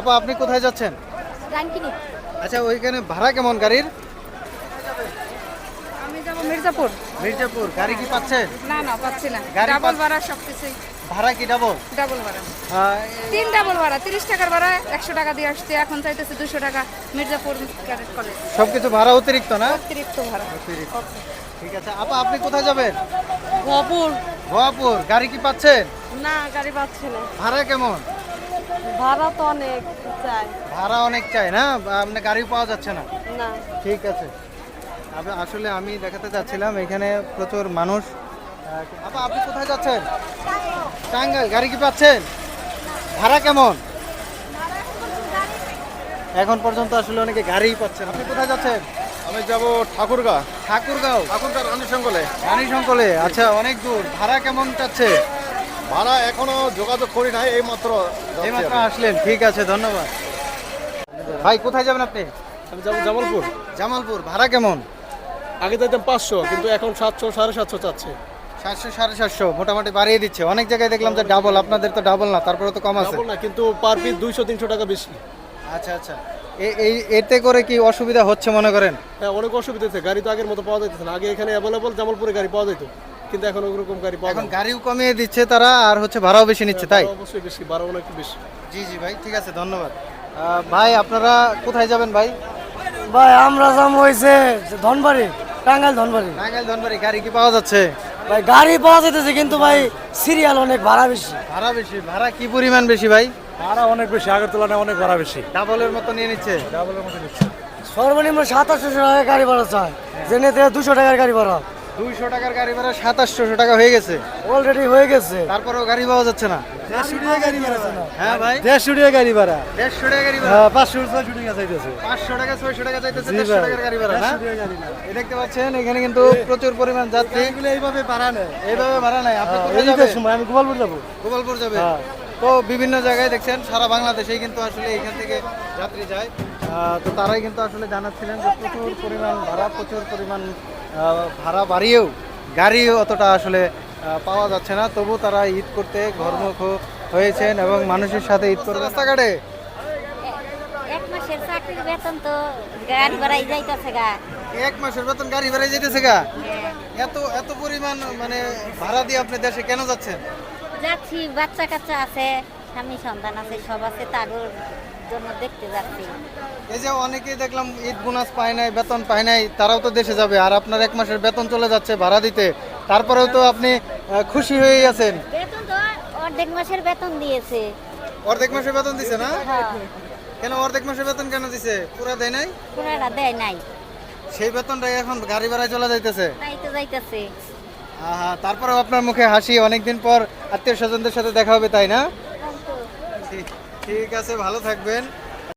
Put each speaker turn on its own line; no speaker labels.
আপা আপনি কোথায় যাচ্ছেন?
রাঙ্কিনি।
আচ্ছা ওইখানে ভাড়া কেমন গাড়ির?
আমি যাব মির্জাপুর।
মির্জাপুর গাড়ি কি পাচ্ছেন?
না না পাচ্ছি না,
গাড়ি
ডাবল ভাড়া সবকিছুই
ভাড়া কি ডাবল?
ডাবল ভাড়া। 3 ডাবল ভাড়া, 30 টাকার ভাড়া 100 টাকা দিয়ে আসছে, এখন চাইতেছে 200 টাকা। মির্জাপুর ক্যাডেট কলেজ
সবকিছু ভাড়া অতিরিক্ত না?
অতিরিক্ত ভাড়া।
অতিরিক্ত। ঠিক আছে আপা আপনি কোথায় যাবেন?
গোপুর।
গোয়াপুর গাড়ি কি পাচ্ছেন?
না গাড়ি পাচ্ছি না,
ভাড়া কেমন?
ভাড়া তো অনেক চাই।
ভাড়া অনেক চাই না, আপনি গাড়ি পাওয়া যাচ্ছে না।
না
ঠিক আছে আসলে আমি দেখাতে চাচ্ছিলাম এখানে প্রচুর মানুষ। আপা আপনি কোথায় যাচ্ছেন? টাঙ্গাইল গাড়ি কি পাচ্ছেন? ভাড়া কেমন? এখন পর্যন্ত আসলে অনেকে গাড়িই পাচ্ছেন। আপনি কোথায় যাচ্ছেন?
আমি যাব ঠাকুরগাঁ।
ঠাকুরগাঁও
রানী সংকলে।
রানী শঙ্কলে। আচ্ছা অনেক দূর। ভাড়া কেমন চাচ্ছে?
ভাড়া এখনো যোগাযোগ করি নাই, এই মাত্র
এইমাত্র আসলেন, ঠিক আছে ধন্যবাদ। ভাই কোথায় যাবেন আপনি?
আমি যাবো জামালপুর।
জামালপুর ভাড়া কেমন?
আগে যাইতাম 500, কিন্তু এখন 700 750 চাচ্ছে।
700 750 মোটামুটি বাড়িয়ে দিচ্ছে। অনেক জায়গায় দেখলাম যে ডাবল, আপনাদের তো ডাবল না, তারপরে তো কম আছে।
ডাবল না, কিন্তু পার পিস 200 300 টাকা বেশি।
আচ্ছা আচ্ছা এতে করে কি অসুবিধা হচ্ছে মনে করেন?
হ্যাঁ অনেক অসুবিধা হচ্ছে, গাড়ি তো আগের মতো পাওয়া যাইতেছে না। আগে এখানে অ্যাভেলেবল জামালপুরে গাড়ি পাওয়া যেত, কিন্তু এখন ওরকম গাড়ি পাওয়া
এখন
যায় না।
গাড়িও কমিয়ে দিচ্ছে তারা, আর হচ্ছে ভাড়াও বেশি নিচ্ছে, তাই?
ভাড়া অবশ্যই বেশি, ভাড়া অনেক বেশি।
জি জি ভাই ঠিক আছে ধন্যবাদ। ভাই আপনারা কোথায় যাবেন ভাই?
ভাই আমরা যাম হইছে ধনবাড়ি, টাঙ্গাইল ধনবাড়ি।
টাঙ্গাইল ধনবাড়ি গাড়ি কি পাওয়া যাচ্ছে?
ভাই গাড়ি পাওয়া যেতেছে, কিন্তু ভাই সিরিয়াল অনেক ভাড়া বেশি।
ভাড়া বেশি। ভাড়া কি পরিমাণ বেশি ভাই?
ভাড়া অনেক বেশি, আগের তুলনায় অনেক ভাড়া বেশি।
ডাবলের মতো নিয়ে নিচ্ছে।
ডাবলের মতো নিচ্ছে। সর্বনিম্ন 2700 টাকা গাড়ি ভাড়া চায়, জেনে 200 টাকার গাড়ি ভাড়া।
200 টাকার গাড়ি ভাড়া 2700 টাকা হয়ে গেছে।
অলরেডি হয়ে গেছে।
তারপরেও গাড়ি পাওয়া যাচ্ছে না।
150 টাকা গাড়ি ভাড়া।
হ্যাঁ ভাই
150 টাকা গাড়ি ভাড়া।
150 টাকা গাড়ি ভাড়া।
হ্যাঁ 500 টাকা চাইতেছে।
500 টাকা 600 টাকা চাইতেছে,
জি
150
ভাই।
টাকার গাড়ি ভাড়া না?
150 টাকা গাড়ি ভাড়া।
এই দেখতে পাচ্ছেন এখানে কিন্তু প্রচুর পরিমাণ যাত্রী
এগুলো এইভাবে ভাড়া নেয়।
এইভাবে ভাড়া নাই। আপনি কোথায়
এই
যাবেন?
সময় আমি গোপালপুর যাবো।
গোপালপুর যাবে।
হ্যাঁ।
তো বিভিন্ন জায়গায় দেখছেন সারা বাংলাদেশেই কিন্তু আসলে এখান থেকে যাত্রী যায়। তো তারাই কিন্তু আসলে জানাচ্ছিলেন যে প্রচুর পরিমাণ ভাড়া, প্রচুর পরিমাণ ভাড়া বাড়িয়েও গাড়ি অতটা আসলে পাওয়া যাচ্ছে না। তবু তারা ঈদ করতে ঘরমুখ হয়েছেন এবং মানুষের সাথে ঈদ করতে রাস্তাঘাটে।
এক মাসের চাকরির বেতন তো গাড়ি ভাড়াই যাইতাছে গা।
1 মাসের বেতন গাড়ি ভাড়ায় যেতেছে গা। এত এত পরিমাণ মানে ভাড়া দিয়ে আপনি দেশে কেন যাচ্ছেন?
যাচ্ছি, বাচ্চা কাচ্চা আছে, স্বামী সন্তান আছে, সব আছে, তাদের জন্য দেখতে যাচ্ছি।
এই যে অনেকেই দেখলাম ঈদ বোনাস পায় নাই, বেতন পায় নাই, তারাও তো দেশে যাবে, আর আপনার 1 মাসের বেতন চলে যাচ্ছে ভাড়া দিতে, তারপরেও তো আপনি খুশি হয়েই আছেন।
বেতন তো অর্ধেক মাসের বেতন দিয়েছে।
অর্ধেক মাসের বেতন দিছে না?
হ্যাঁ,
কেন অর্ধেক মাসের বেতন কেন দিছে? পুরো দেয় নাই?
পুরাটা দেয় নাই,
সেই বেতনটাই এখন গাড়ি ভাড়ায় চলে যাইতেছে।
তাই তো যাইতেছে।
তারপরেও আপনার মুখে হাসি, অনেকদিন পর আত্মীয় স্বজনদের সাথে দেখা হবে, তাই না? ঠিক আছে, ভালো থাকবেন।